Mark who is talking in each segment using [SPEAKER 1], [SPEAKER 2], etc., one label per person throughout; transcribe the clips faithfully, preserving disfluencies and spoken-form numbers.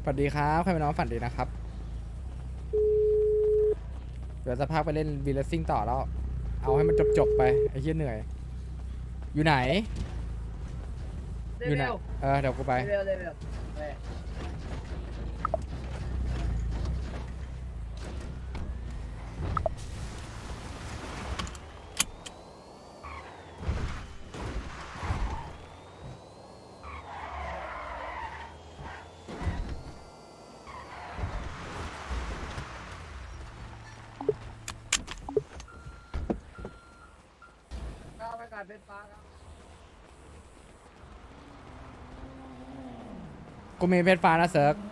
[SPEAKER 1] ฝันดีครับใครเป็นน้องฝันดีนะครับเดี๋ยวจะพาไปเล่นวีเลสซิ่งต่อแล้วเอาให้มันจบๆไปไอ้เหี้ยเหนื่อยอยู่ไหนอยู่ไหน
[SPEAKER 2] เร็ว
[SPEAKER 1] เออเดี๋ยวกูไป
[SPEAKER 2] เร็วเร็วเร็วเร็วก้าวไปการเป็นฟ้าครับ
[SPEAKER 1] กูมีเพชรฟ้านะเซิร์ก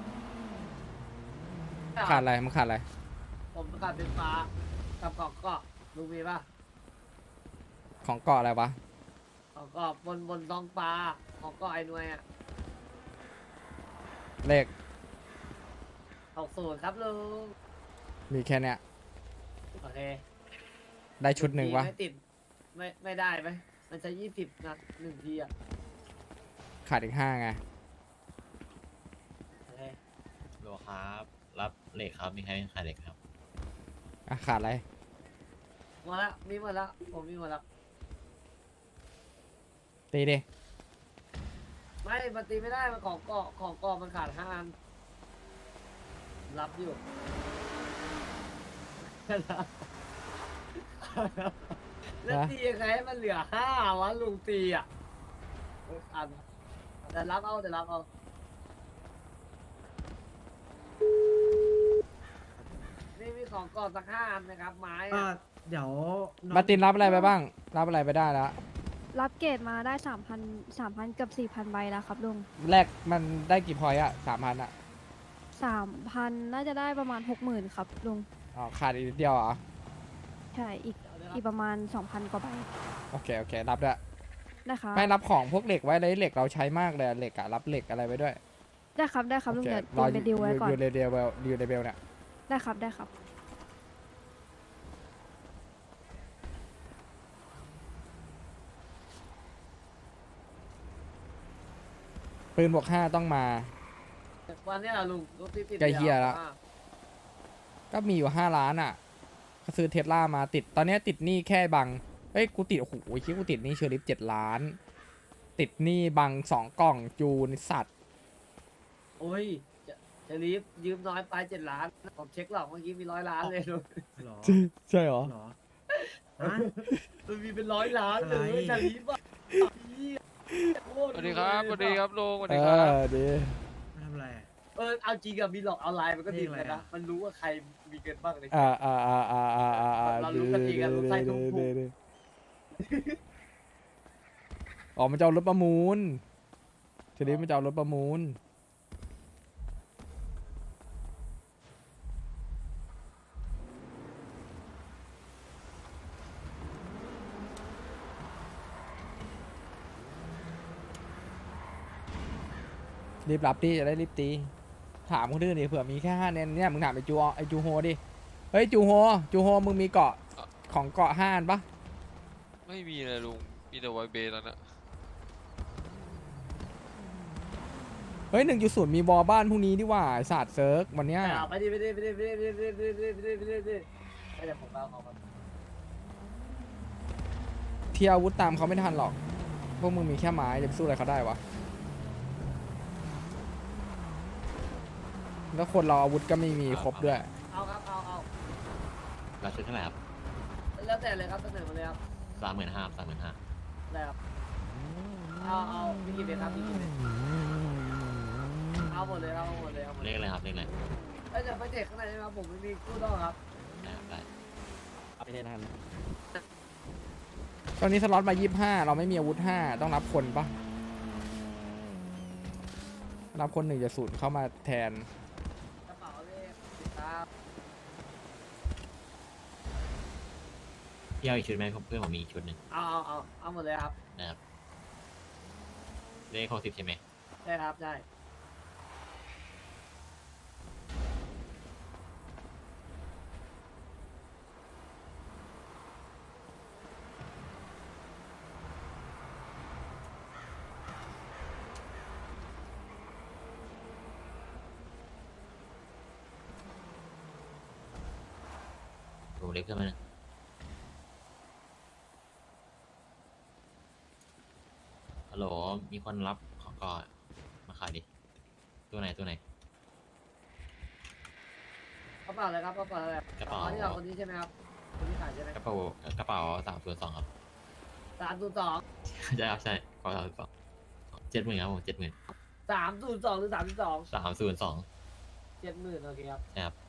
[SPEAKER 1] ขาดอะไรมึงขาดอะไร
[SPEAKER 2] ผมประกาศเป็นฟ้ากับกอกเกาะลุงมีป่ะ
[SPEAKER 1] ของเกาะอะไรวะ
[SPEAKER 2] กอกเกาะบนบนท้องฟ้าของเกาะไอ้หน่วยอ่ะ
[SPEAKER 1] เลข
[SPEAKER 2] หกศูนย์ครับลุง
[SPEAKER 1] มีแค่เนี้ย
[SPEAKER 2] โอเค
[SPEAKER 1] ได้ชุดหนึ่งวะ
[SPEAKER 2] ไม่ติดไม่ไม่ได้ไหมมันใช้ยี่สิบนัดหนึ่งทีอ่ะ
[SPEAKER 1] ขาดอีกห้าไง
[SPEAKER 2] โอเค
[SPEAKER 3] โลครับรับเหล็กครับมีใครขายเหล็กครับ
[SPEAKER 1] อ่ะขาดอะไร
[SPEAKER 2] หมดละมีหมดละผมมีหมดละ
[SPEAKER 1] ตีดิ
[SPEAKER 2] ไม่มันตีไม่ได้มันของเกาะของเกาะมันขาดห้าอันรับอยู่ แล้วตียังไงให้มันเหลือห้าวะลุงตีอ่ะเอออันแต่รับเอาแต่รับเอานี่มีของก่อนสักห้าอันนะครับไม้
[SPEAKER 4] ก็
[SPEAKER 2] อะ
[SPEAKER 4] เดี๋ยวน้อง
[SPEAKER 1] มาร์ตินรับอะไรไปบ้าง รับอะไรไปได้แล้ว
[SPEAKER 5] รับเกรดมาได้สามพันสามพันกับสี่พันใบแล้วครับลุง
[SPEAKER 1] แรกมันได้กี่พอยต์อะสามพันอะ
[SPEAKER 5] สามพันน่าจะได้ประมาณหกหมื่นครับลุง
[SPEAKER 1] อ๋อขาดอีกนิดเดียวเหรอ
[SPEAKER 5] ใช่อีก
[SPEAKER 2] เดี๋ยวเดี๋ยว
[SPEAKER 5] อีกประมาณสองพันกว่าใบ
[SPEAKER 1] โอเคโอเครับด้วย
[SPEAKER 5] นะคะ
[SPEAKER 1] ให้รับของพวกเหล็กไว้เลยเหล็กเราใช้มากเลยอะเหล็กอะรับเหล็กอะไรไว้ด้วย
[SPEAKER 5] ได้ครับได้ครับลุง
[SPEAKER 1] โอเค
[SPEAKER 5] เดี๋ยวตีเป็นดีลไว้ก่อน
[SPEAKER 1] อยู่ในเดเวลอยู่ในเบลเนี่ย
[SPEAKER 5] ได้ครับได้ครับ
[SPEAKER 1] ปืนบวกห้าต้องมา
[SPEAKER 2] วันเนี้ยเหรอลุงรถติดติด
[SPEAKER 1] ใกล้เหี้ยละ
[SPEAKER 2] อ่ะ
[SPEAKER 1] ก็มีอยู่ห้าล้านอ่ะก็ซื้อเทสลามาติด ตอนเนี้ยติดหนี้แค่บัง เอ้ย กูติด โอ้โหคิดกูติดหนี้เชอริฟเจ็ดล้าน ติดหนี้บังสองกล่องจูนสัตว์
[SPEAKER 2] โอ้ยจะจะรีบยืมน้อยไปเจ็ดล้านผมเช็คหรอกเมื่อกี้มีร้อยล้านเลยลุง
[SPEAKER 4] หรอ
[SPEAKER 1] ใช่เหรอ
[SPEAKER 4] หรอฮะ
[SPEAKER 2] มันมีเป็นร้อยล้านเลย
[SPEAKER 4] อะไร
[SPEAKER 2] จะรีบอ่ะเหี้ยโคต
[SPEAKER 6] สวัสดีครับ สวัสดีครับลุงสวัส
[SPEAKER 1] เอ
[SPEAKER 6] ดีครับ
[SPEAKER 1] อ ดี
[SPEAKER 4] มาทำอะไรอะ
[SPEAKER 2] เออเอาจริงอะมีหลอกออนไลน์มันก็ดี
[SPEAKER 4] นี่
[SPEAKER 2] เห
[SPEAKER 4] อะ
[SPEAKER 2] มือน
[SPEAKER 4] ไร
[SPEAKER 2] กัน
[SPEAKER 4] อะ
[SPEAKER 2] นะมันรู้ว่าใครมีเงินบ้างเลย
[SPEAKER 1] อ่าอ่าอ่าอ่าอ่าอ่าอ่า
[SPEAKER 2] เรารู้กันดีกันรู้ใครทุกผู้
[SPEAKER 1] ดีดีอ๋อ มันจะเอารถประมูลเชอริฟมันจะเอารถประมูล รีบรับดิจะได้รีบตี ถามคนอื่นดิเผื่อมีแค่ห้าเนนเนี่ยมึงถามไอจูไอจูโฮดิ เฮ้ยจูโฮจูโฮมึงมีเกาะของเกาะห้าอันปะ
[SPEAKER 6] ไม่มีเลยลุง มีแต่ไวเบย์แล้วนะ
[SPEAKER 1] เฮ้ยหนึ่งจุดศูนย์มีบอลบ้านพรุ่งนี้ดีกว่าไอ้ศาสตร์เซิร์กวันเนี้ย
[SPEAKER 2] ไปดิไปดิไปดิไปดิไปดิไปดิไปดิไปดิไปดิไปดิไปดิผมเอาของมัน
[SPEAKER 1] เที่ยวอาวุธตามเขาไม่ทันหรอก พวกมึงมีแค่ไม้จะไปสู้อะไรเขาได้วะ แล้วคนเราอาวุธก็ไม่มีครบด้วย
[SPEAKER 2] เอาครับเอาเอา
[SPEAKER 3] รับชุดเท่าไหร่ครับ
[SPEAKER 2] แล้วแต่เลยครับเสนอมาเลยครับ
[SPEAKER 3] สามหมื่นห้าสามหมื่นห้า
[SPEAKER 2] ได้ครับเอาเอาพี่กินเลยครับพี่กินเลยเอาหมดเลยเอาหมดเลยเอาหมด
[SPEAKER 3] เล
[SPEAKER 2] เลย
[SPEAKER 3] ขอะไรครับเลขอะไร
[SPEAKER 2] เอ้ยแต่ไปเด็กข้างในใช่ไหมครับผมไม่มีกู้ต้องครับ
[SPEAKER 3] ได้ครับได้
[SPEAKER 4] ไม่ได้ทัน
[SPEAKER 1] ตอนนี้สล็อตมายี่สิบห้าเราไม่มีอาวุธห้าต้องรับคนปะรับคนหนึ่งจะสูตรเข้ามาแทน
[SPEAKER 2] กระเป๋าเลขสิบครับ
[SPEAKER 3] พี่เอาอีกชุดไหมเพื่อนผมมีอีกชุดหนึ่ง
[SPEAKER 2] เอาเอาเอาเอาหมดเลยครับ
[SPEAKER 3] นะครับเลขหกสิบใช่ไหม
[SPEAKER 2] ได้ครับได้
[SPEAKER 3] ผมเรียกเพื่อนมาหนึ่งฮัลโหลมีคนรับของก่อนมาขายดิตัวไหนตัวไหน
[SPEAKER 2] กระเป๋าอะไรครับกระเป๋าอะไร
[SPEAKER 3] กระเป๋า
[SPEAKER 2] อ๋อที่เราคนนี้ใช่ไหมครับคนที่ขายใช่ไหม
[SPEAKER 3] กระเป๋ากระเป๋าสามส่วนสองครับ
[SPEAKER 2] สามศูนย์สอง
[SPEAKER 3] ใช่ครับใช่กระเป๋าสามส่วนสองเจ็ดหมื่นครับผมเจ็ดหมื่น
[SPEAKER 2] สามศูนย์สองหรือสามสิบสอง
[SPEAKER 3] สามส่วนสอง
[SPEAKER 2] เจ็ดหมื่นโอเคครับ
[SPEAKER 3] ใช่ครับ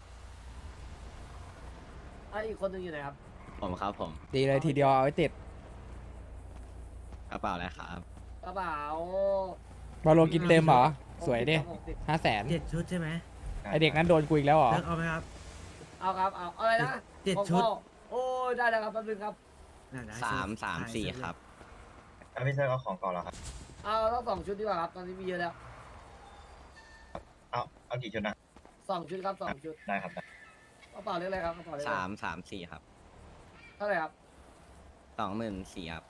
[SPEAKER 2] ไอะอีกคนหนึงอยู่ไหนครับ
[SPEAKER 7] ผมครับผม
[SPEAKER 1] ตีเลยทีเดียวเอาไว้ติด
[SPEAKER 7] กระเป๋าอะไรครับ
[SPEAKER 2] กระเป๋า
[SPEAKER 1] บอลโลกินเต็มเหรอ สวยดิ
[SPEAKER 2] หกสิบ
[SPEAKER 1] ห้าแสน
[SPEAKER 4] เจ็ดชุดใช่ไหม
[SPEAKER 1] ไอเด็กนั้นโดนกูอีกแล้วเหรอ
[SPEAKER 4] เลือกเอาไหมครับ
[SPEAKER 2] เอาครับเอาเอาอะไรนะ
[SPEAKER 4] เจ็ด
[SPEAKER 2] ของ
[SPEAKER 4] ชุด
[SPEAKER 2] พ่อโอ้ยได้แล้วครับแป๊บนึงครับ
[SPEAKER 4] น่ได้
[SPEAKER 7] สาม
[SPEAKER 4] ชุด
[SPEAKER 7] สาม
[SPEAKER 4] ได้
[SPEAKER 7] สี่
[SPEAKER 4] ชุด
[SPEAKER 7] ครับ
[SPEAKER 8] อ่ะพี่เซิร์ฟเอาของก่อนเหรอครับ
[SPEAKER 2] เอาต้องสองชุดดีกว่าครับตอนนี้มีเยอะแล้ว
[SPEAKER 8] เอาเอากี่ชุดนะ
[SPEAKER 2] สองชุดครับสองชุด
[SPEAKER 8] ได้ครับได้
[SPEAKER 2] กระเป๋าเรียกอะไรครับกระเป๋าเรียกอะ
[SPEAKER 7] สา
[SPEAKER 2] ไร
[SPEAKER 7] มสามสี่ครับ
[SPEAKER 2] เท่าไหร่ครับ
[SPEAKER 7] สองหมื่นสี่ครับ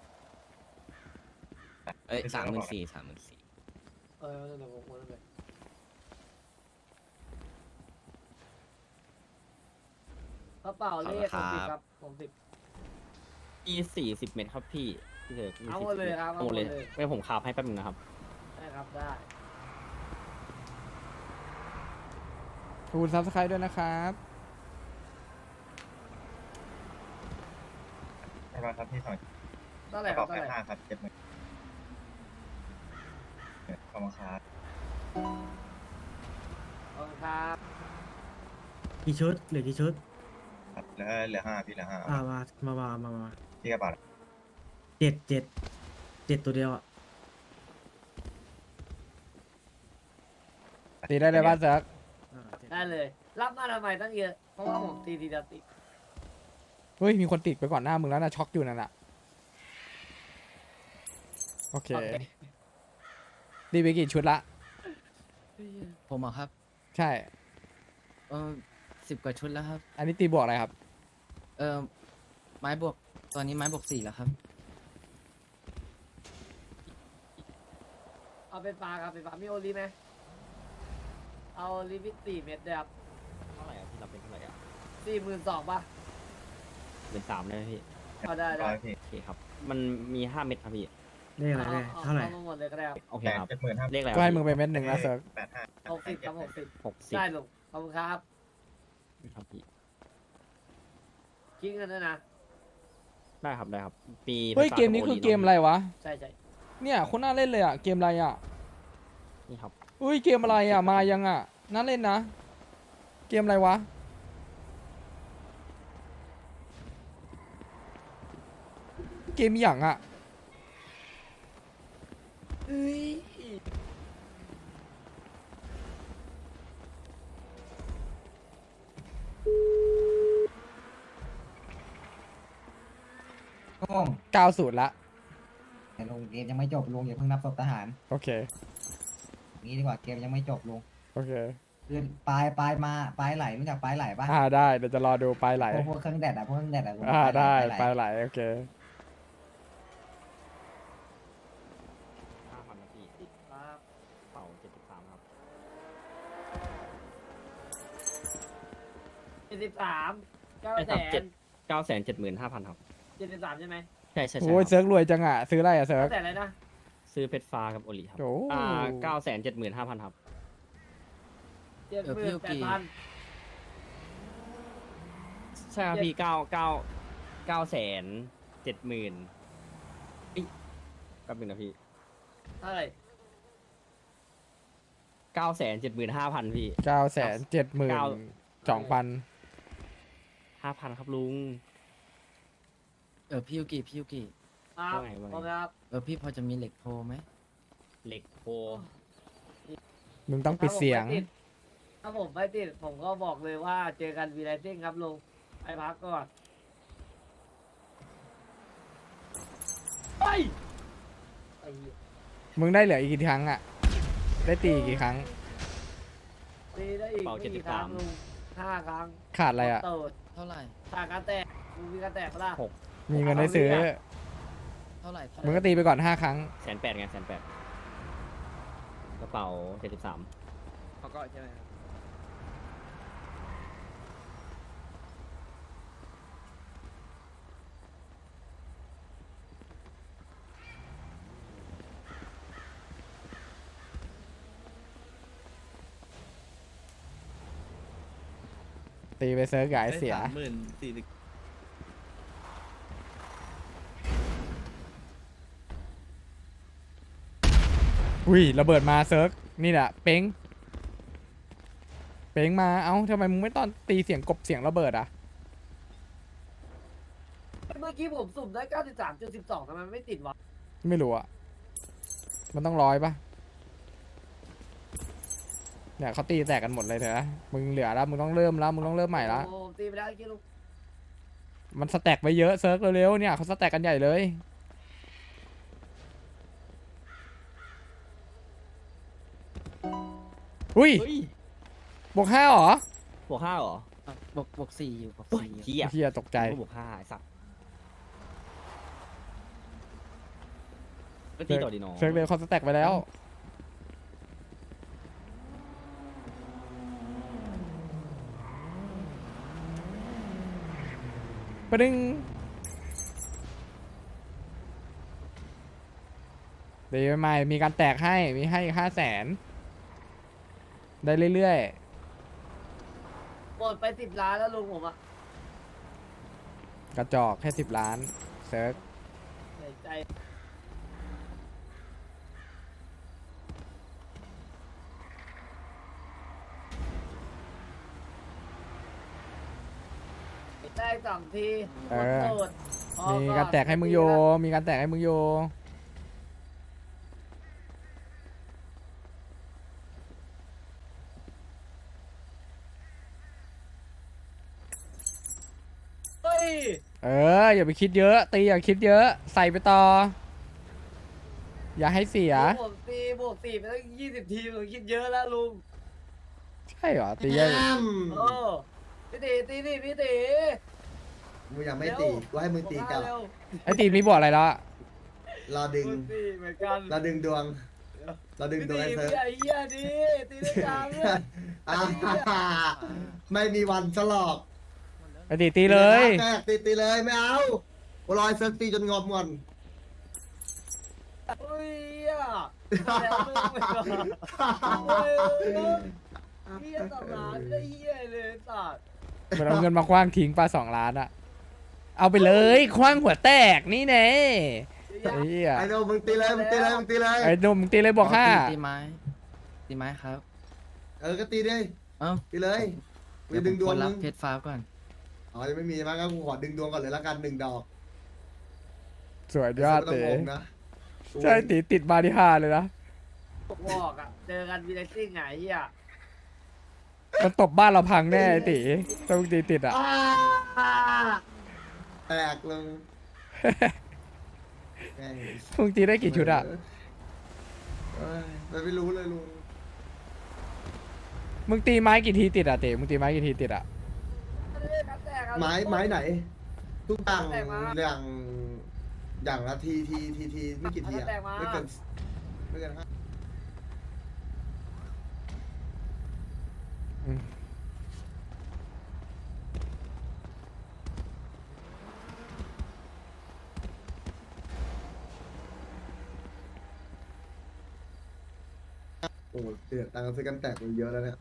[SPEAKER 7] เอ้ยสามหมื่นสี่สามหมื่นสี่
[SPEAKER 2] เออเดี๋ยวผมโอนไปกระเป๋าเลขผมสิบครับผมสิบ
[SPEAKER 9] อีสี่สิบเมตรครับพี่พี่เถอะ
[SPEAKER 2] เอาหมดเลยครับ
[SPEAKER 9] เอาหมดเลย
[SPEAKER 2] เอาหมดเลย
[SPEAKER 9] ไม่ผมคาบให้แป๊บนึงนะครับ
[SPEAKER 2] ได้ครับได้
[SPEAKER 1] ขอบคุณซับสไครต์ด้วยนะครับ
[SPEAKER 8] ใช่ป่ะครับพี่สอง
[SPEAKER 2] เท่าไห
[SPEAKER 8] ก
[SPEAKER 2] ร่
[SPEAKER 8] ระ
[SPEAKER 2] ครั
[SPEAKER 8] เป๋า
[SPEAKER 2] บเท่า
[SPEAKER 8] แป
[SPEAKER 2] ไหร่
[SPEAKER 8] ดห้าครับเจ็ดหมื่นขอบคุณครับ
[SPEAKER 2] ขอบคุณครับ
[SPEAKER 4] กี่ชุดเหลือกี่ชุด
[SPEAKER 8] ครับเหลือเหลือห้าพี่เหลือห้า
[SPEAKER 4] อ่ามามามามามา
[SPEAKER 8] พี่กระเป๋า
[SPEAKER 4] เจ็ดเจ็ดเจ็ดตัวเดียวอ่ะ
[SPEAKER 1] ตีได้เลยบ้านเซิร์ก
[SPEAKER 4] อ่าเจ็ด
[SPEAKER 2] ได้เลย รับมาทำไมตั้งเยอะเพราะว่าผมตีทีเดียวติด
[SPEAKER 1] เฮ้ย มีคนติดไปก่อนหน้ามึงแล้วนะช็อกอยู่นั่นน่ะ โอเค
[SPEAKER 2] โอเค
[SPEAKER 1] ตีไปกี่ชุดละ
[SPEAKER 10] ผมอะครับ
[SPEAKER 1] ใช่
[SPEAKER 10] เออสิบกว่าชุดแล้วครับ
[SPEAKER 1] อันนี้ตีบวกอะไรครับ
[SPEAKER 10] เออไม้บวก ตอนนี้ไม้บวกสี่แล้วครับ
[SPEAKER 2] เอาเป็นปลาครับเป็นปลามีโอลีไหมเอาลิมิตสี่เม็ดเดียวครับ
[SPEAKER 9] เท่าไหร่อะพี่เราเป็นเท่าไหร่อะ
[SPEAKER 2] สี่หมื่นสองป่ะ
[SPEAKER 9] เป็นสามได้ไหมพี่
[SPEAKER 2] เอาได้ได้
[SPEAKER 8] ร้อยพี่
[SPEAKER 9] โอเคครับ มันมีห้าเม็ดครับพี่
[SPEAKER 4] เลขอะไรเลข
[SPEAKER 2] เอา
[SPEAKER 4] เท่าไหร่
[SPEAKER 2] เอามาหมดเลยก็ได้ครับ
[SPEAKER 9] โอเค
[SPEAKER 8] แปด
[SPEAKER 9] ครับ
[SPEAKER 8] เจ็ดหมื่นห้า
[SPEAKER 9] เลขอะไร
[SPEAKER 1] ก็ให้
[SPEAKER 9] วะ
[SPEAKER 1] มึงไปเม็ดหนึ่งนะเซิร์ก
[SPEAKER 8] แปดห้า
[SPEAKER 2] หกสิบครับหกสิบ
[SPEAKER 9] หกสิบ
[SPEAKER 2] ได้ลุงขอบคุณครับ
[SPEAKER 9] ครับพี่
[SPEAKER 2] คิดเงินด้วยนะ
[SPEAKER 9] ได้ครับได้ครับปี
[SPEAKER 1] เฮ้ย เกมนี้คือเกมอะไรวะ
[SPEAKER 2] ใช่ใช่
[SPEAKER 1] เนี่ยคนน่าเล่นเลยอ่ะ เกมอะไรอ่ะ
[SPEAKER 9] นี่ครับ
[SPEAKER 1] เฮ้ย เกมอะไรอ่ะ มายังอ่ะ น่าเล่นนะ เกมอะไรวะ เกมอหย่างอ่ะ
[SPEAKER 2] เฮ้ย
[SPEAKER 11] ลุง
[SPEAKER 1] เก้าศูนย์ละ
[SPEAKER 11] แต่ลุงเกมยังไม่จบลุงอย่าเพิ่งนับศพทหาร
[SPEAKER 1] โอเค
[SPEAKER 11] อย่างนี้ดีกว่าเกมยังไม่จบลุง
[SPEAKER 1] โอเค
[SPEAKER 11] คือปลายปลายมาปลายไหลรู้จักปลายไหลปะ
[SPEAKER 1] อ่าได้ เดี๋ยวจะรอดูปลายไหล
[SPEAKER 11] พวกพวกเครื่องแดดอะพวกเครื่องแดดอะลุง
[SPEAKER 1] อ่า
[SPEAKER 11] ปลายไหล
[SPEAKER 1] ได้
[SPEAKER 11] ปลายไหล
[SPEAKER 1] ปลายไหล โอเค
[SPEAKER 9] ห้าพันนะพี่
[SPEAKER 2] ครับ
[SPEAKER 9] เป่าเจ็ดสิบสามครับ
[SPEAKER 2] เจ็ดสิบสามเก้า
[SPEAKER 9] ได้
[SPEAKER 2] แส
[SPEAKER 9] ครับเจ็ด
[SPEAKER 2] น
[SPEAKER 9] เก้าแสนเจ็ดหมื่นห้าพันครับ
[SPEAKER 2] เจ็ดสิบสามใช่ไหม
[SPEAKER 9] ใช่ใช่ใช่
[SPEAKER 1] โอ้ย
[SPEAKER 9] ค
[SPEAKER 1] เซิ
[SPEAKER 9] รับ
[SPEAKER 1] ร์กรวยจังอ่ะ ซื้ออะไรอ่ะเซิร์
[SPEAKER 2] เก้าก แสนอะไรนะ
[SPEAKER 9] ซื้อเพชรฟ้ากับโอลิครับ
[SPEAKER 1] โอ้
[SPEAKER 9] อ่าเก้าแสนเจ็ดหมื่นห้าพันครับ
[SPEAKER 2] เจ็ด
[SPEAKER 10] เออ
[SPEAKER 2] ห
[SPEAKER 10] พี่
[SPEAKER 2] มื่น
[SPEAKER 10] โอ
[SPEAKER 2] แป
[SPEAKER 10] เค
[SPEAKER 2] ดพัน
[SPEAKER 9] ใช่ครับพี่เก้าเก้าเก้าแสนเจ็ดหมื่นแป๊บนึงนะพี่
[SPEAKER 2] เท่าไหร่
[SPEAKER 9] เก้าแสนเจ็ดหมื่นห้าพันพี่
[SPEAKER 1] เก้าแสนเจ็ดหมื่น
[SPEAKER 9] เก้า
[SPEAKER 1] สองพัน
[SPEAKER 9] ห้าพันครับลุง
[SPEAKER 10] เออพี่ยูกิพี่ยูกิ
[SPEAKER 2] ครับ
[SPEAKER 9] ว่าไงว่าไง
[SPEAKER 2] ขอบคุณครับ
[SPEAKER 10] เออพี่พอจะมีเหล็กโพไหม
[SPEAKER 9] เหล็กโพ
[SPEAKER 1] มึงต้องปิดเสียง
[SPEAKER 2] ถ้าผมไม่ติดผมก็บอกเลยว่าเจอกันวีไลซิ่งครับลุงไปพักก่อนไปไอ้เหี้ย
[SPEAKER 1] มึงได้เหลืออีกกี่ครั้งอ่ะ ได้ตีอีกกี่ครั้ง
[SPEAKER 2] ตีได้อีก
[SPEAKER 9] เป่า
[SPEAKER 2] ไม่
[SPEAKER 9] เจ็ดสิ
[SPEAKER 2] กี่
[SPEAKER 9] บ
[SPEAKER 2] ครั้
[SPEAKER 9] สาง ม
[SPEAKER 2] ลุงห้าครั้ง
[SPEAKER 1] ขาดอะไรอ่ะ
[SPEAKER 2] เติด
[SPEAKER 10] เท่าไหร่
[SPEAKER 2] ขาดการแตกมึงมีการแตกปะล่ะ
[SPEAKER 9] หก
[SPEAKER 1] มีเงินได้ซื้อ
[SPEAKER 10] เท่าไหร่เท่าไห
[SPEAKER 1] มึง
[SPEAKER 10] ร่
[SPEAKER 1] ก็ตีไปก่อนห้าครั้ง
[SPEAKER 9] แสนแปดไงแสนแปดกระเป๋าเจ็ดสิบสาม
[SPEAKER 10] เขาก็ใช่ไหมครับ
[SPEAKER 1] ตีไปเซิร์ฟกับไอ้เสีย
[SPEAKER 10] สามหมื่นสี่สิบ
[SPEAKER 1] อุ้ยระเบิดมาเซิร์ฟนี่แหละเป้งเป้งมาเอ้าทำไมมึงไม่ตอนตีเสียงกบเสียงระเบิดอ่ะ
[SPEAKER 2] เมื่อกี้ผมสุ่มได้เก้าสิบสามจุดสิบสองทำไมไม่ติดวะ
[SPEAKER 1] ไม่รู้อ่ะมันต้องร้อยปะเนี่ยเขาตีแตกกันหมดเลยเถอะมึงเหลือแล้วมึงต้องเริ่มแล้วมึงต้องเริ่มใหม่ละ
[SPEAKER 2] โอ้ตีไปแล้วเมื่อกี้ลุง
[SPEAKER 1] มันสแต็กไปเยอะเซิร์ฟเร็วๆเนี่ยเขาสแต็กกันใหญ่เลยอุ้ย
[SPEAKER 9] เฮ้ย
[SPEAKER 1] บวกห้าเหรอบ
[SPEAKER 9] วกห้าเหรอบ
[SPEAKER 10] วกบวกสี่อยู่บวก
[SPEAKER 9] โอ้ย
[SPEAKER 10] สี่
[SPEAKER 9] เฮีย
[SPEAKER 1] เฮียตกใจ
[SPEAKER 9] บวกห้าไอ้สัตว์ก็ตีต่อดีน้อง
[SPEAKER 1] เซิร์ฟเร็วเขาสแต็กไปแล้วปะดึงเดี๋ยวใหม่มีการแตกให้มีให้ห้าแสนได้เรื่อย
[SPEAKER 2] หมดไปสิบล้านแล้วลุงผมอะ
[SPEAKER 1] ๆ กระจอกแค่สิบล้านเซิร์ฟ
[SPEAKER 2] เสียใจได้สองที
[SPEAKER 1] เอ
[SPEAKER 2] หมด
[SPEAKER 1] อ
[SPEAKER 2] โหมดพอ
[SPEAKER 1] มี
[SPEAKER 2] อน
[SPEAKER 1] การแตกให้มึงโย มีการแตกให้มึงโย
[SPEAKER 2] เฮ้ย
[SPEAKER 1] เออ อย่าไปคิดเยอะ ตีอย่าคิดเยอะ ใส่ไปต่อ อย่าให้เสีย
[SPEAKER 2] ผมตีบวกสี่ไปตั้งยี่สิบทีผมคิดเยอะแล้วลุง
[SPEAKER 1] ใช่เหรอ ตีเยอะ
[SPEAKER 2] โอ้พี่ตีตีนี่พี่ตี
[SPEAKER 8] มึงยังไม่ตีกูให้มึงตีกลับ
[SPEAKER 2] เร็ว
[SPEAKER 1] ไอตีมีบวกอะไรแล้วอะ
[SPEAKER 8] รอดึง
[SPEAKER 2] มึงตีเหมือนกัน
[SPEAKER 8] รอดึงดวงรอดึง
[SPEAKER 2] พี่
[SPEAKER 8] ดวง
[SPEAKER 2] ตี
[SPEAKER 8] ไอ้เซิร์ฟ
[SPEAKER 2] พี่ไอ้เหี้ยดิตีได้จังเลย
[SPEAKER 8] อ่าไม่มีวันสลอก
[SPEAKER 1] ไอตีตีเลย
[SPEAKER 8] แตกตีตีเลยไม่เอากูรอยเซิร์ฟตีจนงอมงอน
[SPEAKER 2] เฮ้ยอ่ะแล้วมึงไปก่อนเฮ้ยเหี้ยสองล้านก็เหี้ยเลยสัตว์
[SPEAKER 1] มันเอาเงินมาคว้างทิ้งปลาสองล้านอะเอาไปเลยคว้างหัวแตกนี่แน่ไอ้เหี้ย
[SPEAKER 8] ไอ้โนมึงตีเลยมึงตีเลยมึงตีเลย
[SPEAKER 1] ไอ้หนุ่มตีเลยบวกห้า
[SPEAKER 10] ตีไม้ตีไม้ครับ
[SPEAKER 8] เออก็ตีดิ
[SPEAKER 10] เอ้า
[SPEAKER 8] ตีเลยกูจะดึงดวง
[SPEAKER 10] เดี๋ย
[SPEAKER 8] มึ
[SPEAKER 10] ผมก
[SPEAKER 8] ง
[SPEAKER 10] เพชรฟ้าก่อน
[SPEAKER 8] อ๋อยังไม่มีมั้งงั้นกูขอดึงดวงก่อนเลยละกันหนึ่งดอก
[SPEAKER 1] สวยยอด
[SPEAKER 8] ไม่ต้อ
[SPEAKER 1] เต๋
[SPEAKER 8] งงงนะ
[SPEAKER 1] ใช่ตีติดมาที่ห้าเลยนะ
[SPEAKER 2] บอกอ่ะเจอกันวีเลสซิ่งไงเหี้ย
[SPEAKER 1] มันตบบ้านเราพังแน่ไอ้ตีต้องตีติดอะ
[SPEAKER 8] อ่าแตกลงแม่ง
[SPEAKER 1] มึงตีได้กี่ชุดอะ
[SPEAKER 8] เอ้ยมันไม่รู้เลยลุง
[SPEAKER 1] มึงตีไม้กี่ทีติดอะเต๋มึงตีไม้กี่ทีติดอะ
[SPEAKER 8] ไม้ไม้ไหน ทุกอย่างอย่างอย่างละทีทีทีทีไม่กี่ทีอะไม่เกินไม่เกินห้า
[SPEAKER 1] อืม
[SPEAKER 8] โอ้โหเสียตังค์ซื้อกันแตกมันเยอะแล้วเนี่ย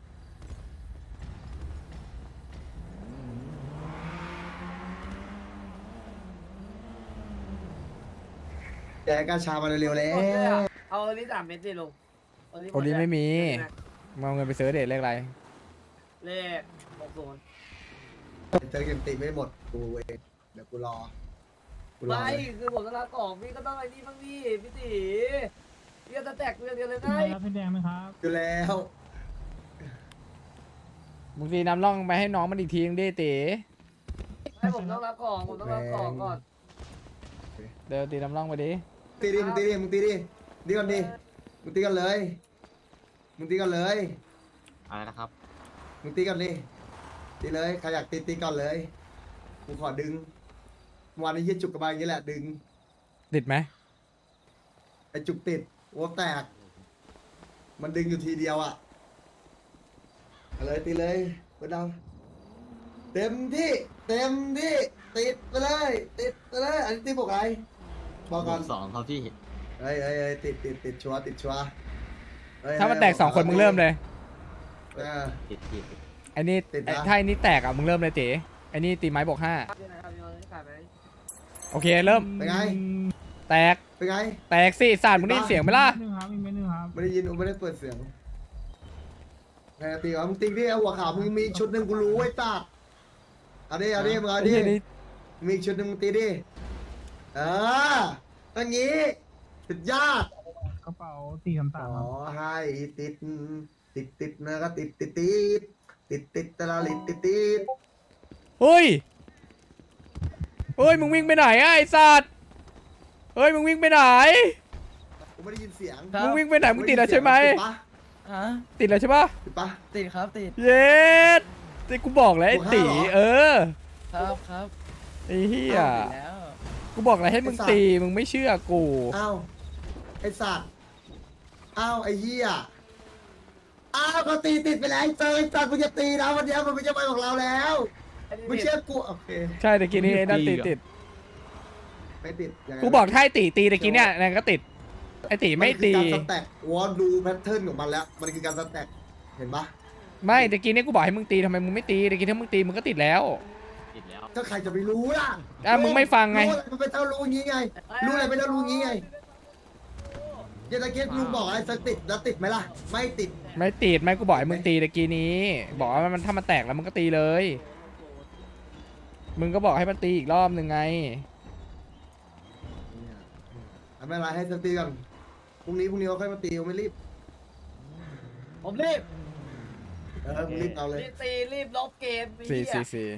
[SPEAKER 8] แกกาชามาเร็วๆแล้
[SPEAKER 2] หมดเลยว อะเอาอันนี้สามเม็ดดิลุงอันนี้ห
[SPEAKER 1] โอลิ
[SPEAKER 2] ดเลย
[SPEAKER 1] ไม่มีมึงเอาเงินไปซื้อเดทเลขอะไร
[SPEAKER 2] เลขหกศูนย์
[SPEAKER 8] เจอเกมตีไม่หมดกูเองเดี๋ยวกูรอกูรอ
[SPEAKER 2] ไม่
[SPEAKER 8] เลย
[SPEAKER 2] คือผมต้องรับของพี่ก็ต้องไอ้นี่บ้างพี่พี่ตีพี่จะแตกเรื่องเดียวเลยไง
[SPEAKER 8] อยู่แล้ว
[SPEAKER 1] มึงตีน้ำร่องไปให้น้องมันอีกทีนึงดิเต๋
[SPEAKER 2] ให้ผมต้องรับของผมต้องรับของก่อน
[SPEAKER 1] เดี๋ยวตีน้ำร่องไปดิ
[SPEAKER 8] ตีดิมึงตีดิมึงตีดิดีก่อนดิมึงตีกันเลยมึงตีกันเลย
[SPEAKER 7] อะไรนะครับ
[SPEAKER 8] มึงตีกันดิตีเลยใครอยากตีตีก่อนเลยกูขอดึงวันนี้ยี่จุกกระบาลอย่างนี้แหละดึง
[SPEAKER 1] ติดไหม
[SPEAKER 8] ไอจุกติดโอ้แตก มันดึงอยู่ทีเดียวอ่ะเอาเลยตีเลยเปิดดาวเต็มที่เต็มที่ติดไปเลยติดไปเลยอันนี้ตีบอกไงบอกก่อน
[SPEAKER 7] สองครับพี่
[SPEAKER 8] เฮ้ยเฮ้ยเฮ้ยติดติดติดชัวร์ติดชัวร์เฮ้ย
[SPEAKER 1] ถ้ามันแตกสองคนมึงเริ่มเลย
[SPEAKER 8] เออ
[SPEAKER 7] ติดติด
[SPEAKER 1] เไอ้นี่
[SPEAKER 8] ติดนะ
[SPEAKER 1] ไอ้ถ้าไอ้นี่แตกอ่ะมึงเริ่มเลยเต๋ไอ้นี่ตีไม้บวกห้า
[SPEAKER 2] ที่ไหนครับพี่โยนขายไหม
[SPEAKER 1] โอเคเริ่ม
[SPEAKER 8] เป็นไง
[SPEAKER 1] แตก
[SPEAKER 8] เป็นไง
[SPEAKER 1] แตกสิสารมึงได้ยินเสียงไหมล่ะ
[SPEAKER 8] ไม่ได้ยินกูไม่ได้เปิดเสียงไงตีวะมึงตีดิเอาหัวขาวมึงมีชุดหนึ่งกูรู้ไอ้ตาเอาดิเอาดิมึงเอาดิ
[SPEAKER 1] ไอ้เหี้ยนี่
[SPEAKER 8] มีอีกชุดหนึ่งมึงตีดิเอออย่างงี้สุดยอด
[SPEAKER 4] กระเป๋าสี่คำ
[SPEAKER 8] ข
[SPEAKER 4] สาม
[SPEAKER 8] อให้ติดติดติดนะก็ติดติดติดติดติดตะลาลิดติดติด
[SPEAKER 1] เฮ้ยเฮ้ยมึงวิ่งไปไหนอะไอ้สัตว์เฮ้ยมึงวิ่งไปไหน
[SPEAKER 8] กูไม่ได้ยินเสียง
[SPEAKER 1] มึงวิ่งไปไหนมึงติดแล้วใช่ไหม
[SPEAKER 8] ติดปะ
[SPEAKER 10] ฮะ
[SPEAKER 1] ติดแล้วใช่ปะ
[SPEAKER 8] ติดปะ
[SPEAKER 10] ติดครับติด
[SPEAKER 1] เย็ดที่กูบอกแล้วไอ้
[SPEAKER 8] บวกห้า
[SPEAKER 1] ตี
[SPEAKER 8] เหรอ
[SPEAKER 1] เออ
[SPEAKER 10] ครับครับ
[SPEAKER 1] ไอ้เหี้ย
[SPEAKER 10] ติดแล้ว
[SPEAKER 1] กูบอกแล้วให้มึงตีมึงไม่เชื่อกู
[SPEAKER 8] อ้าวไอสัตว์อ้าวไอเหี้ยอ้าวก็ตีติดไปแล้วไอ้เจอไอ้สัตว์มึงจะตีนะวันเนี้ยมันไม่ใช่ไปของเราแล้วไม่เชื่อกูโอเค
[SPEAKER 1] ใช่ตะกี้นี้ไอ้นั่นติดติด
[SPEAKER 8] ไม่ติดยังไง
[SPEAKER 1] กูบอกถ้าไอ้ตีตีตะกี้เนี่ยนั่นก็ติดไอ้ตีไม่ตี
[SPEAKER 8] นคือการสแต็กวอลดูแพทเทิร์นของมันแล้ว มันคือการสแต็กเห็นปะ
[SPEAKER 1] ไม่ตะกี้เนี่ยกูบอกให้มึงตีทำไมมึงไม่ตีตะกี้ถ้ามึงตีมึงก็ติดแล้ว
[SPEAKER 3] ติดแล้ว
[SPEAKER 8] ก็ใครจะไปรู้ล่ะ
[SPEAKER 1] อ่ะมึงไม่ฟังไง
[SPEAKER 8] รู้อะไรมันเป็นเท่ารู้งี้ไง รู้อะไรเป็นเท่ารู้งี้ไงเยตะเกียบลุงบอกอะไรสักติดแล้วติดไหมล่ะ ไม่ติด
[SPEAKER 1] ไม่ติดไม่กูบอกให้มึงตีตะกี้นี้ บอกว่ามันถ้ามันแตกแล้วมึงก็ตีเลย มึงก็บอกให้มันตีอีกรอบหนึ่งไง
[SPEAKER 8] ไม่เป็นไรให้สตีก่อนพรุ่งนี้พรุ่งนี้เราค่อยมาตีเราไม่รีบ
[SPEAKER 2] ผมรีบ
[SPEAKER 8] เออมึงรีบเอาเลย
[SPEAKER 2] รีบตีรีบลบเกมไอ้
[SPEAKER 1] สี่
[SPEAKER 2] เหี้ย
[SPEAKER 1] สี่สี่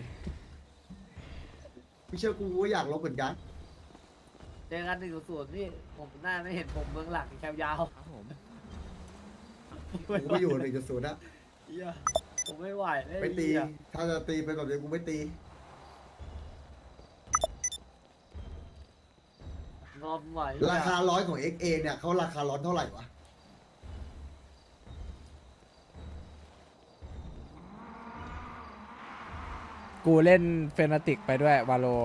[SPEAKER 8] พี่เชื่อกูก็อยากลบเหมือนกัน
[SPEAKER 2] เจอกันหนึ่งศูนย์พี่ผมหน้าไม่เห็นผมเมืองหลักแคมยาว
[SPEAKER 10] ครับผม
[SPEAKER 8] กูก็อยู่หนึ่งจุดศูนย์นะ
[SPEAKER 2] เหี้ยผมไม่ไหวเลย
[SPEAKER 8] ไม่ตี
[SPEAKER 2] เหี้ย
[SPEAKER 8] ถ้าจะตีเป็นแบบนี้กูไม่ตี
[SPEAKER 2] งอมไหว
[SPEAKER 8] ราคาร้อยของ เอ็กซ์ เอ เนี่ยเขาราคาร้อนเท่าไหร่วะ
[SPEAKER 1] กูเล่นเฟนาติกไปด้วยวาโล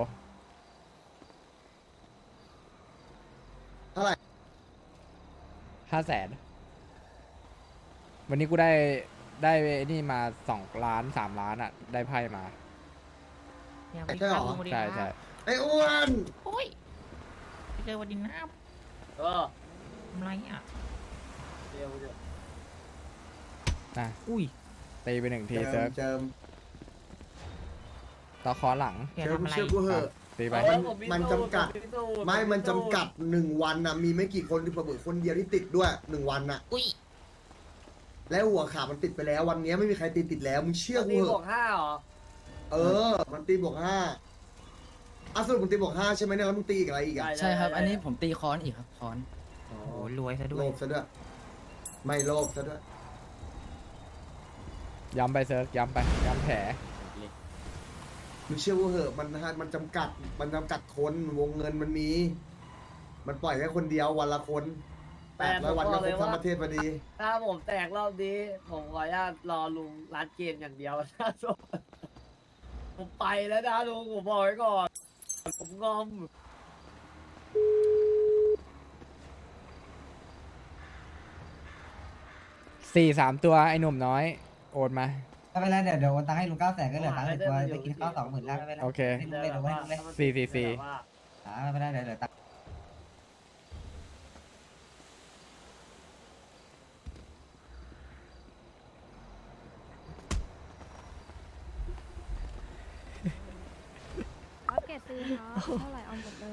[SPEAKER 8] เท่าไหร่
[SPEAKER 1] ห้าแสนวันนี้กูได้ได้ไอ้นี่มาสองล้านสามล้านอ่ะ ได้ไพ่มา
[SPEAKER 8] ใช่หรอ
[SPEAKER 1] ใช่ใช่
[SPEAKER 8] ไอ้อ้วน
[SPEAKER 10] โอ้ยไปเจอวันดินน้
[SPEAKER 2] เออ
[SPEAKER 10] ำทำไรอ่ะ
[SPEAKER 2] เดี๋ยวเดี๋ยว
[SPEAKER 1] นะ
[SPEAKER 10] อุ้ย
[SPEAKER 1] ตีไปหนึ่งที
[SPEAKER 8] เจิ
[SPEAKER 1] เซิร์
[SPEAKER 8] ม
[SPEAKER 1] ฟ
[SPEAKER 8] เจิม
[SPEAKER 1] ต่อคอหลัง
[SPEAKER 10] แก
[SPEAKER 8] เจิม
[SPEAKER 10] ทำอะไร
[SPEAKER 8] เชื่อกูเหอะ
[SPEAKER 1] ตีไป
[SPEAKER 2] เออ
[SPEAKER 8] มัน
[SPEAKER 2] ผ
[SPEAKER 8] มันจำกัด
[SPEAKER 2] ผมสูตร
[SPEAKER 8] ไม่มัน
[SPEAKER 2] ผสู
[SPEAKER 8] จำ
[SPEAKER 2] ตร
[SPEAKER 8] กัดหนึ่งวันนะมีไม่กี่คนที่ประเบิดคนเดียวที่ติดด้วยหนึ่งวันน่ะ
[SPEAKER 10] อุ้ย
[SPEAKER 8] แล้วหัวขามันติดไปแล้ววันนี้ไม่มีใครติดติดแล้วมึงเชื่อกู
[SPEAKER 2] ตี
[SPEAKER 8] เห
[SPEAKER 2] บว
[SPEAKER 8] อะ
[SPEAKER 2] กห้าเหรอ
[SPEAKER 8] เออ มันตีบวกห้าอ่ะสรุปมึงตีบวกห้าใช่ไหมเนี่ยแล้วมึงตีอีกอะไรอีกอ่ะ
[SPEAKER 10] ใช่ครับ อันนี้ผมตีค้อนอีกครับค้อน
[SPEAKER 8] อ๋อ
[SPEAKER 10] โอ้โหรวยซะด้
[SPEAKER 8] โล
[SPEAKER 10] วย
[SPEAKER 8] ภซะด้วยไม่โลภซะด้วย
[SPEAKER 1] ย้ำไปเซิร์ฟย้ำไปย้ำแผล
[SPEAKER 8] มึงเชื่อกูเหอะมันมันจำกัดมันจำกัดคนวงเงินมันมี มันปล่อยแค่คนเดียววันละคนแปดร้อยวันก็ครบทั้งประเทศพอดี
[SPEAKER 2] ถ้าผมแตกรอบนี้ ผมขออนุญาตรอลุงร้านเกมอย่างเดียว นะผมไปแล้วนะลุงผมบอกไว้ก่อน ผมงอม
[SPEAKER 1] สี่สามตัวไอ้หนุ่มน้อย โอนมา
[SPEAKER 11] ไม่เป็นไรเดี๋ยวเดี๋ยวโอนตังค์ให้ลุงเก้าแสนก็เหลือตังค์ในตัวไปกินข้าวสองหมื่นแล้วไม่เป็นไร
[SPEAKER 1] โอเค
[SPEAKER 11] ให้ลุงเล่นเอาไว้ให้ลุงเล่น
[SPEAKER 1] สี่สี่สี่
[SPEAKER 11] อ่าไม่เป็นไรเดี๋ยวเดี๋ยวตังค์
[SPEAKER 5] อัปเกรดซื้อครับเท่าไหร่เอาหมดเลย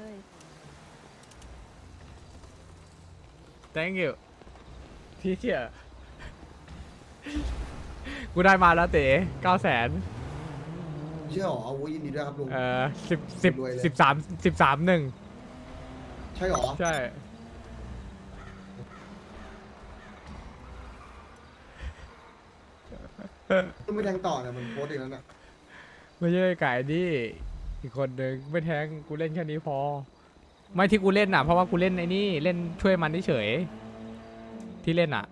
[SPEAKER 1] thank you พี่เชี่ยกูได้มาแล้วเต๋เก้าแสน
[SPEAKER 8] เชื่อหรอโอ้ยยินดีด้วยครับลุง
[SPEAKER 1] เอ่อสิบสิบ
[SPEAKER 8] รวยเลย
[SPEAKER 1] สิบสามสิบสามหนึ่ง
[SPEAKER 8] ใช่หรอ
[SPEAKER 1] ใช่
[SPEAKER 8] ต้องไม่แทงต่อเนี่ยมันโพสต์อีกแล้วน่ะ
[SPEAKER 1] ไม่ใช่ไก่ดิอีกคนหนึ่งไม่แทงกูเล่นแค่นี้พอ ไม่ที่กูเล่นอ่ะ เพราะว่ากูเล่นไอ้นี่เล่นช่วยมันเฉยๆที่เล่นอ่ะ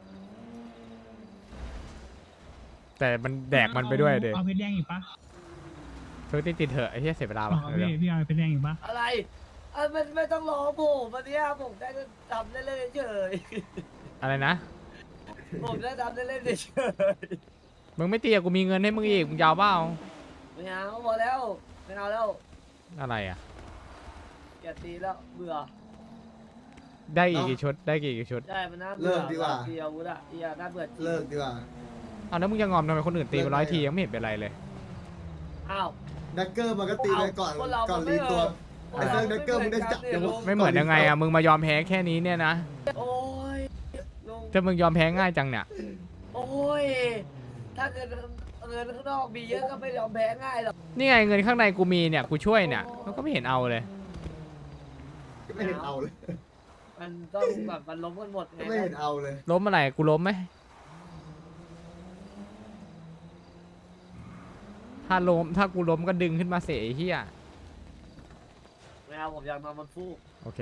[SPEAKER 1] แต่มันแดกมันไปด้วยเด็
[SPEAKER 4] เอาเพชรแดงอีกปะ
[SPEAKER 1] เพิ่งติดติดเถอะไอ้เหี้ยเสียเวลาป่ะ
[SPEAKER 4] เอาพี่พี่เอาเพชรแดงอีกปะ
[SPEAKER 2] อะไรอ่ะมันไม่ต้องรอผมวันเนี้ยผมได้ทำเล่นๆเฉย
[SPEAKER 1] อะไรนะ
[SPEAKER 2] ๆผมได้ทำเล่นๆเฉย
[SPEAKER 1] มึงไม่ตีอะกูมีเงินให้มึงอีกมึงยาวเปล่า
[SPEAKER 2] ไม่เอาพอแล้วไม่เอาแล้ว
[SPEAKER 1] อะไรอ่ะ
[SPEAKER 2] แกตีแล้วเบื่อ
[SPEAKER 1] ได้อีกกี่ชุดได้กี่กี่ชุด
[SPEAKER 2] ได้มันน่า
[SPEAKER 8] เลิ
[SPEAKER 2] เบื่อก
[SPEAKER 8] ดีกว่า
[SPEAKER 2] ตีอาวุธอะเอียน่าเบื่อจริง
[SPEAKER 8] เลิกดีกว่า
[SPEAKER 1] เอาแล้วมึงยังงอมทำไมคนอื่นตีไปร้อยทียังไม่เห็นเป็นไรเลย
[SPEAKER 2] อ้าว
[SPEAKER 8] ดักเกอร์มันก็ตีไปก่อน
[SPEAKER 2] คนเรา
[SPEAKER 8] ก่อน
[SPEAKER 2] มันไม่
[SPEAKER 8] รีตัว
[SPEAKER 2] เออ
[SPEAKER 8] ไอ้เรื่องดักเกอร์มึงได้จับ
[SPEAKER 2] คนเรา
[SPEAKER 1] ไม่เหมือนยังไงอ่ะมึงมายอมแพ้แค่นี้เนี่ยนะ
[SPEAKER 2] โอ้ยลุง
[SPEAKER 1] ถ้ามึงยอมแพ้ง่ายจังเนี่ย
[SPEAKER 2] โอ้ยถ้าเกิดเงินข้างนอกมีเยอะก็ไม่ยอมแพ้ง่ายหรอก
[SPEAKER 1] นี่ไงเงินข้างในกูมีเนี่ยกูช่วยเนี่ยเขาก็ไม่เห็นเอาเลย
[SPEAKER 8] ไม่เห็นเอาเลย
[SPEAKER 2] มันต้องแบบมันล้มกันหมดไง
[SPEAKER 8] ไม่เห็นเอาเลย
[SPEAKER 1] ล้มอะไรกูล้มไหมถ้าล้มถ้ากูล้มก็ดึงขึ้นมาเสียไอ้เหี้ย
[SPEAKER 2] ไม่เอาผมอยากนอนบนฟูก
[SPEAKER 1] โอเค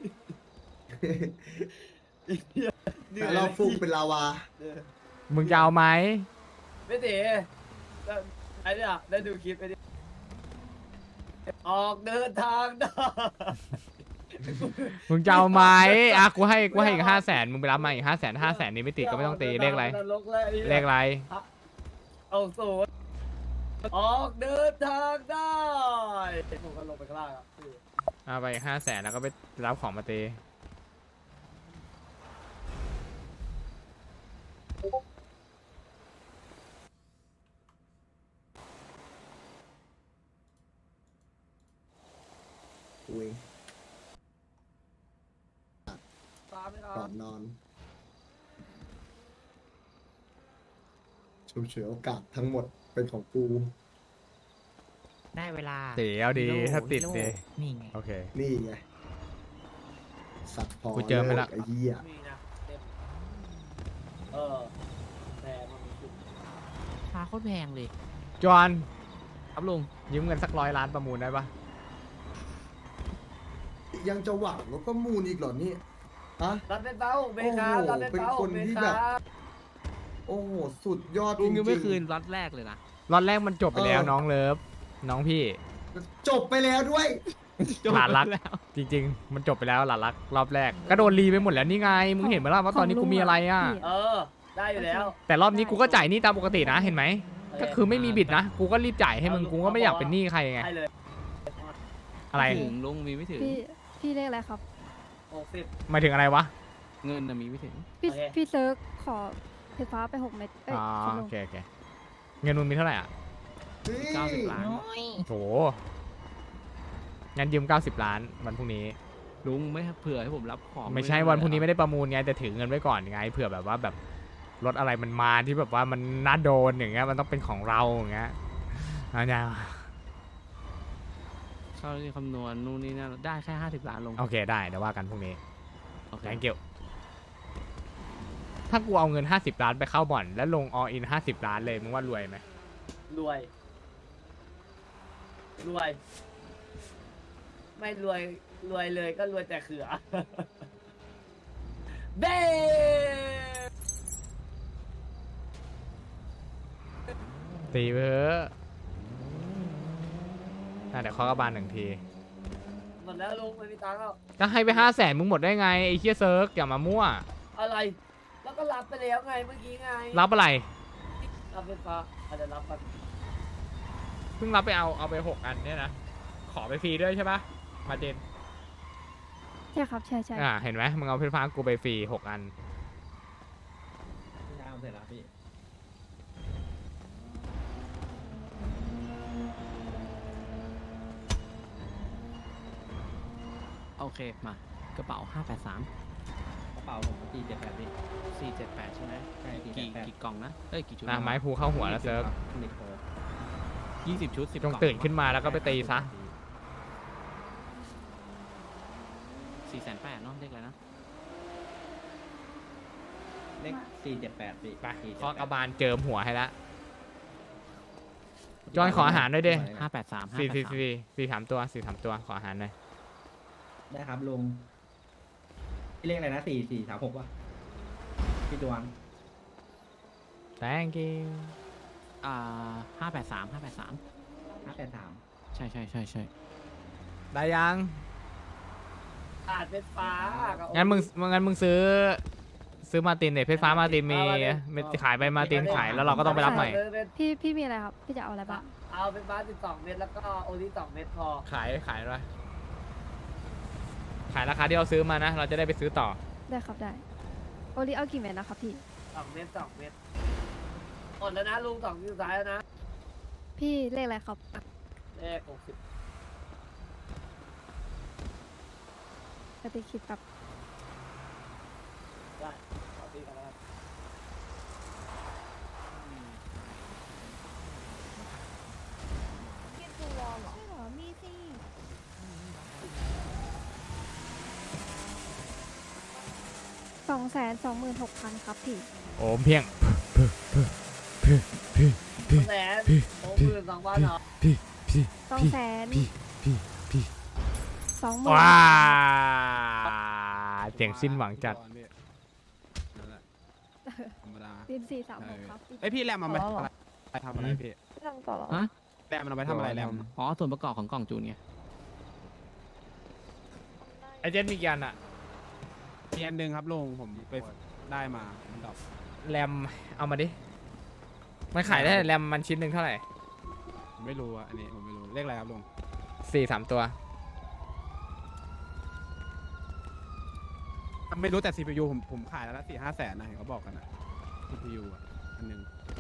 [SPEAKER 8] แต่เราฟุ้งเป็นลาวา
[SPEAKER 2] เออ
[SPEAKER 1] มึงจะเอาไหม
[SPEAKER 2] ไม่ตีแล้วไอ้เนี่ยได้ดูคลิปไอ้นี่ออกเดินทางได้
[SPEAKER 1] มึงจะเอาไหมอ่ะกูให้กูให้อีกห้าแสนมึงไปรับมาอีกห้าแสนห้าแสนนี้ไม่ติดก็ไม่ต้องตีเลขอะไร
[SPEAKER 2] นรกเลยไอ้นี่ย
[SPEAKER 1] เลขอะไร
[SPEAKER 2] เอาศูนย์ออกเดินทางได้ผมก็ลงไปข้างล่างอ่ะพี่
[SPEAKER 1] เอาไปห้าแสนแล้วก็ไปรับของมาตี
[SPEAKER 8] อุ้ย
[SPEAKER 2] ตามไม่เอา
[SPEAKER 8] ก่อนนอนชุบเฉวยโอกาสทั้งหมดเป็นของกู
[SPEAKER 10] ได้เวลา
[SPEAKER 1] ตีเอาดีถ้าติดดี
[SPEAKER 10] นี่ไง
[SPEAKER 1] โอเค
[SPEAKER 8] นี่ไง สัตว์พอ
[SPEAKER 1] กูเจอไปละ
[SPEAKER 8] ไอ้เหี้ย
[SPEAKER 2] มีนะเต็มเออแต่มันมีจุด
[SPEAKER 10] ฟ้าโคตรแพงเลย
[SPEAKER 1] จอน
[SPEAKER 10] ครับลุง
[SPEAKER 1] ยืมเงินสักร้อยล้านประมูลได้ปะ
[SPEAKER 8] ยังจะหวังแล้วก็มูลอีกเหรอนี่ฮะ
[SPEAKER 2] รับเป็นเบ้าเบคา
[SPEAKER 8] โอ้โห
[SPEAKER 2] รับเป็นเบ้า
[SPEAKER 8] เป็นคน
[SPEAKER 2] เบ
[SPEAKER 8] ที่
[SPEAKER 2] คา
[SPEAKER 8] แบบ โอ้โหสุดยอดจ
[SPEAKER 10] ลุ
[SPEAKER 8] ริ
[SPEAKER 10] ง
[SPEAKER 8] ง
[SPEAKER 10] ยังไม่
[SPEAKER 8] ๆ
[SPEAKER 10] คืนล็อตแรกเลยนะ
[SPEAKER 1] รอบแรกมันจบไปแล้ว
[SPEAKER 8] เออ
[SPEAKER 1] น้องเลิฟน้องพี่
[SPEAKER 8] จบไปแล้วด้วย
[SPEAKER 1] หลานรัก
[SPEAKER 10] แล้ว
[SPEAKER 1] จริง ๆ มันจบไปแล้วหลานรักรอบแรกก็โดนรีไปหมดแล้วนี่ไงมึงเห็นไหมล่ะว่าตอนนี้กูมีอะไรอ่ะ
[SPEAKER 5] พี่
[SPEAKER 2] เออ ได้อยู่แล้ว
[SPEAKER 1] แต่รอบนี้กูก็จ่ายหนี้ตามปกตินะเห็นไหม
[SPEAKER 2] โเ
[SPEAKER 1] ก็คือไม่มีบิดนะกูก็รีบจ่ายให้มึงกูก็ไม่อยากเป็นหนี้ใครไง
[SPEAKER 2] ให้เลย
[SPEAKER 1] อะไร
[SPEAKER 10] ม่ถึงลุงมีไม่ถึง
[SPEAKER 5] พี่พี่เลขอะไรครับ
[SPEAKER 2] หกสิบ
[SPEAKER 1] หมายถึงอะไรวะ
[SPEAKER 10] เงินน่ะมีไม่ถึง
[SPEAKER 5] พี่
[SPEAKER 2] โอเค
[SPEAKER 5] พี่เซิร์กขอไฟฟ้าไปหกเม็ดเอ้ย
[SPEAKER 1] อ๋อ
[SPEAKER 5] ครับลุ
[SPEAKER 1] โอง เคโอเคเงินมึงมีเท่าไหร่อ่ะ
[SPEAKER 10] เก้าสิบล้าน
[SPEAKER 1] โถงั้นยืมเก้าสิบล้านวันพรุ่งนี้
[SPEAKER 10] ลุงไม่เผื่อให้ผมรับของ
[SPEAKER 1] ไม่ใช่วันพรุ่งนี้ไม่ได้ประมูลไงแต่ถือเงินไว้ก่อนไงเผื่อแบบว่าแบบรถอะไรมันมาที่แบบว่ามันน่าโดนอย่างเงี้ยมันต้องเป็นของเราอย่างเงี้ยเอาเนี่ย
[SPEAKER 10] เขาที่คำนวณนู่นนี่นั่นได้แค่ห้าสิบล้านลง
[SPEAKER 1] โอเคได้เดี๋ยวว่ากันพรุ่งนี้
[SPEAKER 10] โอเค
[SPEAKER 1] thank you ถ้ากูเอาเงินห้าสิบล้านไปเข้าบ่อนแล้วลง all in ห้าสิบล้านเลยมึงว่ารวยไหม
[SPEAKER 2] รวย รวย ไม่รวย รวยเลยก็รวยแต่เขือ เบ้
[SPEAKER 1] ตีไปเถอะอ่ะเดี๋ยวเคาะกระบาลหนึ่งที
[SPEAKER 2] หมดแล้วลุงไม่มีตังค์แล้ว
[SPEAKER 1] ก็ให้ไปห้าแสนมึงหมดได้ไงไอ้เคียเซิร์กอย่ามามั่ว
[SPEAKER 2] อะไร แล้วก็รับไปแล้วไงเมื่อกี้ไง
[SPEAKER 1] รับอะไร
[SPEAKER 2] รับไฟฟ้าอาจจะรับกัน
[SPEAKER 1] เพิ่งรับไปเอาเอาไปหกอันเนี่ยนะขอไปฟรีด้วยใช่ปะมาเจน
[SPEAKER 5] ใช่ครับใช่ใช่
[SPEAKER 1] อ่าเห็นไหมมึงเอาไฟฟ้ากูไปฟรีหกอัน
[SPEAKER 4] ยาวเสร็จแล้วพี่
[SPEAKER 10] โอเคมากระเป๋าห้าแปดสาม
[SPEAKER 4] กระเป๋าผมสี่เจ็ดแปดพี่
[SPEAKER 10] สี่เจ็ดแปดใช่ไหม
[SPEAKER 4] ใช่สี่
[SPEAKER 10] กี่
[SPEAKER 4] เจ็ดแปด
[SPEAKER 10] กี่กล่องนะเอ้ยกี่ชุด
[SPEAKER 1] อ่ะไม้ภูเข้าหัวแล้วเซิร์ก
[SPEAKER 4] หนึ่งโค
[SPEAKER 10] ยี่สิบชุดสิบ
[SPEAKER 1] จ
[SPEAKER 10] กล่
[SPEAKER 1] ง
[SPEAKER 10] อง
[SPEAKER 1] ตื่นขึ้นมาแล้วก็ไปตีซะ
[SPEAKER 10] สี่แสนแปดเนาะเรียกอะไรนะ
[SPEAKER 4] เลขสี่เจ็ดแปดพี่
[SPEAKER 1] ไปเคาะกระบาลเจิมหัวให้ละจอยขออาหารด้วยดิ
[SPEAKER 10] ห้าแปดสามห้า
[SPEAKER 1] สี่
[SPEAKER 10] แปด
[SPEAKER 1] สี่
[SPEAKER 10] สาม
[SPEAKER 1] สี่สี่สามตัวสี่สามตัวขออาหารหน่อย
[SPEAKER 4] ได้ครับลุงพี่เลขอะไรนะสี่สี่สามหกวะพี่ดวง
[SPEAKER 1] thank you
[SPEAKER 10] อ่าห้าแปดสามห้าแปดสาม
[SPEAKER 4] ห้าแปดสาม
[SPEAKER 10] ใช่ใช่ใช่ใช่
[SPEAKER 1] ได้ยัง
[SPEAKER 2] อาจเป็นฟ้ากับ
[SPEAKER 1] งั้นมึงงั้นมึงซื้อซื้อมาร์ตินเนี่ยเพชรฟ้ามาร์ตินมีมีขายไปมาร์ตินขายแล้วเราก็ต้องไปรับใหม่
[SPEAKER 5] พี่พี่มีอะไรครับ พี่จะเอาอะไรบ้าง
[SPEAKER 2] เอาเป็นบาสสิบสองเม็ดแล้วก็โอลิสองเม็ดพอ
[SPEAKER 1] ขายขายอะไรขายราคาที่เราซื้อมานะ เราจะได้ไปซื้อต่อ
[SPEAKER 5] ได้ครับได้ โอลิเอากี่เม็ดนะครับพี่
[SPEAKER 2] สองเม็ดสองเม็ดหมดแล้วนะลุงสองคิวซ้ายแล้วนะ
[SPEAKER 5] พี่เลขอะไรครับ
[SPEAKER 2] เลขหกสิบ
[SPEAKER 5] ปฏิคิดแบบ
[SPEAKER 2] ได้ขอตีกันแล้ว
[SPEAKER 5] คิดดูวอลเหรอใช่เหรอ มีสิสองแสนสองหมื่นหกพันครับพี่
[SPEAKER 1] โอ้เพียง
[SPEAKER 2] สองแสนหกหมื่นสองพันเหรอ
[SPEAKER 5] สองแสนสองหมื่น
[SPEAKER 1] ว้าเสียงสิ้นหวังจัด
[SPEAKER 4] ธรรมดา
[SPEAKER 5] ดินสี่สามหกครับ
[SPEAKER 4] ไอพี่แรมมันไปไปทำอะไรพี่
[SPEAKER 5] ทำต่อเหรอ
[SPEAKER 10] ฮะ
[SPEAKER 4] แรมมันเอาไปทำอะไรแรม
[SPEAKER 10] อ๋อส่วนประกอบของกล่องจูนไง
[SPEAKER 1] ไอเจนมีกี่อันอะ
[SPEAKER 4] มีอันหนึ่งครับลุงผมไปได้มามันดรอป
[SPEAKER 1] แรมเอามาดิ มันขายได้แรมมันชิ้นหนึ่งเท่าไหร่
[SPEAKER 4] ผมไม่รู้อะอันนี้ผมไม่รู้เลขอะไรครับลุง
[SPEAKER 1] สี่สามตัว
[SPEAKER 4] ไม่รู้แต่ ซี พี ยู ผมผมขายแล้วละสี่ห้าแสนนะเห็นเขาบอกกันนะ ซี พี ยู อ่ะอันหนึ่ง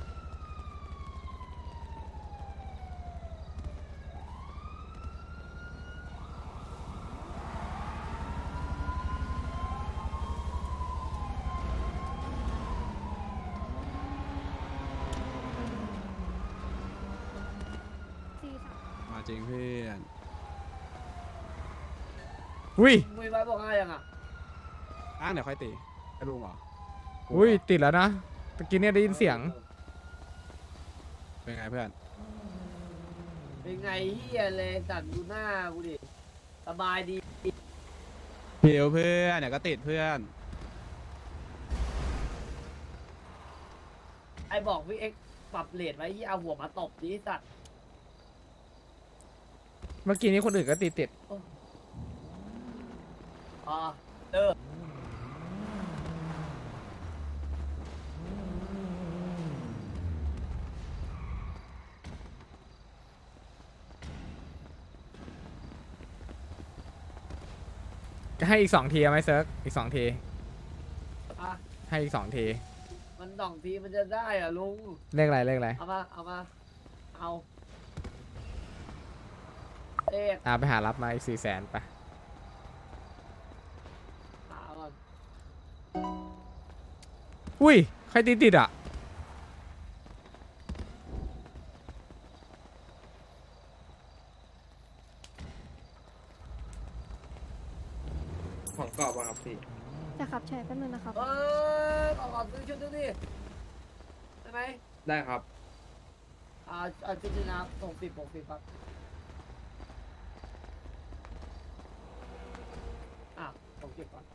[SPEAKER 5] สี่สาม
[SPEAKER 4] มาจริงเพื่อน
[SPEAKER 1] อุ้ย
[SPEAKER 2] มือไว้บอกให้ยังอ่ะ
[SPEAKER 4] อ้างเดี๋ยวค่อยตีไอ้ลุงเหรอ
[SPEAKER 1] อุ้ยติดแล้วนะตะกี้เนี่ยได้ยินเสียง
[SPEAKER 4] เป็นไงเพื่อน
[SPEAKER 2] เป็นไงเฮียเลยสั่นดูหน้ากูดิ สบายดี
[SPEAKER 4] เพียวเพื่อนเดี๋ยวก็ติดเพื่อน
[SPEAKER 2] ไอบอกพี่เอ็กซ์ปรับเลทไว้ที่เอาหัวมาตบดิสัตว์
[SPEAKER 1] เมื่อกี้นี้คนอื่นก็ติดติด
[SPEAKER 2] อ๋อเออ
[SPEAKER 1] จะให้อีกสองทีเอาไหมเซิร์กอีกสองที
[SPEAKER 2] อ่ะ
[SPEAKER 1] ให้อีกสองที
[SPEAKER 2] มันสองทีมันจะได้เหรอลุง
[SPEAKER 1] เลขอะไรเลขอะไร
[SPEAKER 2] เอามา เอามา เอาเลข
[SPEAKER 1] อ่าไปหารับมาอีกสี่แสนไป
[SPEAKER 2] หาก่อน
[SPEAKER 1] อุ้ย ใครติดติดอ่ะ
[SPEAKER 4] ของกรอบวะครับพี่
[SPEAKER 5] จะขับแชร์แป๊บนึงนะครับ
[SPEAKER 2] เออขอขอซื้อชุดนึงดิได้ไหม
[SPEAKER 4] ได้ครับ
[SPEAKER 2] อ่าเอาชุดนี้นะส่งสิบหกสิบครับอ่ะผมเก็บก่อน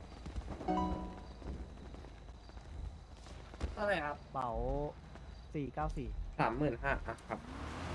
[SPEAKER 2] เท่าไหร่ครับ
[SPEAKER 9] เป๋าสี่เก้าสี่
[SPEAKER 4] สามหมื่นห้าครับ